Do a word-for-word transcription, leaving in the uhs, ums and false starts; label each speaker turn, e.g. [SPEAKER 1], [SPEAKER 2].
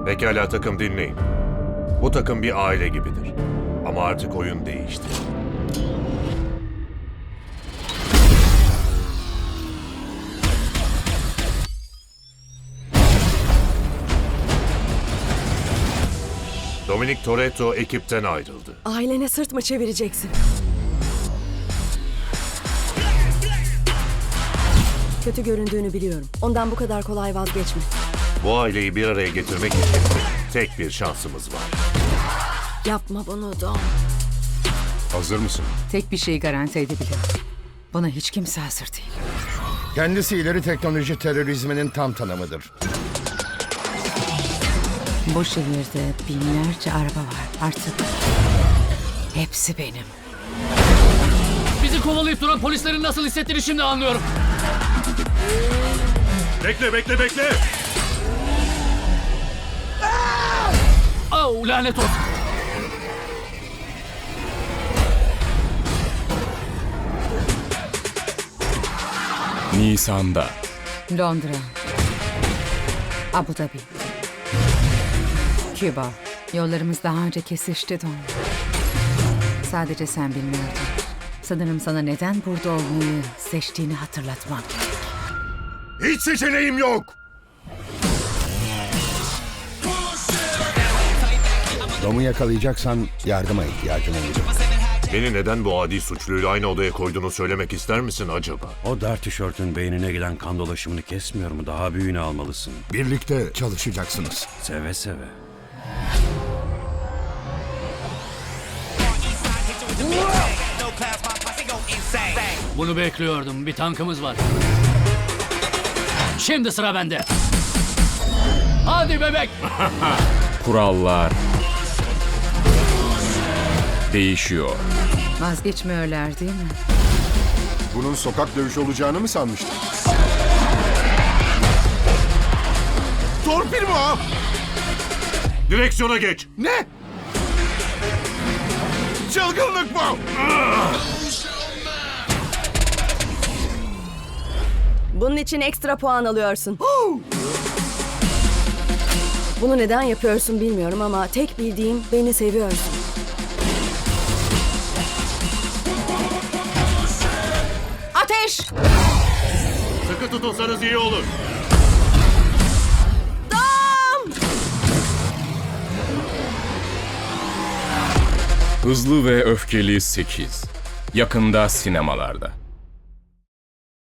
[SPEAKER 1] Pekala takım, dinleyin. Bu takım bir aile gibidir. Ama artık oyun değişti. Dominic Toretto ekipten ayrıldı.
[SPEAKER 2] Ailene sırt mı çevireceksin? Kötü göründüğünü biliyorum. Ondan bu kadar kolay vazgeçme.
[SPEAKER 1] Bu aileyi bir araya getirmek için tek bir şansımız var.
[SPEAKER 2] Yapma bunu Dom.
[SPEAKER 1] Hazır mısın?
[SPEAKER 3] Tek bir şeyi garanti edebilirim. Buna hiç kimse hazır değil.
[SPEAKER 4] Kendisi ileri teknoloji terörizminin tam tanımıdır.
[SPEAKER 3] Bu şehirde binlerce araba var. Artık hepsi benim.
[SPEAKER 5] Bizi kovalayıp duran polislerin nasıl hissettiğini şimdi anlıyorum.
[SPEAKER 1] Bekle, bekle, bekle!
[SPEAKER 5] Oh, lanet olsun.
[SPEAKER 6] Nisan'da.
[SPEAKER 3] Londra, Abu Dhabi, Küba. Yollarımız daha önce kesişti Don. Sadece sen bilmiyordun. Sanırım sana neden burada olmayı seçtiğini hatırlatmam.
[SPEAKER 1] Hiç seçeneğim yok!
[SPEAKER 4] Dom'u yakalayacaksan yardıma ihtiyacın olacak.
[SPEAKER 1] Beni neden bu adi suçluyla aynı odaya koyduğunu söylemek ister misin acaba?
[SPEAKER 7] O dar tişörtün beynine giden kan dolaşımını kesmiyor mu? Daha büyüğünü almalısın.
[SPEAKER 4] Birlikte çalışacaksınız.
[SPEAKER 7] Seve seve.
[SPEAKER 5] Bunu bekliyordum. Bir tankımız var. Şimdi sıra bende. Hadi bebek.
[SPEAKER 6] Kurallar değişiyor.
[SPEAKER 3] Vazgeçmiyorlar değil mi?
[SPEAKER 4] Bunun sokak dövüşü olacağını mı sanmıştın? Torpil mi o?
[SPEAKER 1] Direksiyona geç!
[SPEAKER 4] Ne? Çılgınlık bu!
[SPEAKER 2] Bunun için ekstra puan alıyorsun. Bunu neden yapıyorsun bilmiyorum ama tek bildiğim beni seviyorsun. Ateş!
[SPEAKER 1] Sıkı tutulsanız iyi olur.
[SPEAKER 2] Dom!
[SPEAKER 6] Hızlı ve Öfkeli sekiz. Yakında sinemalarda.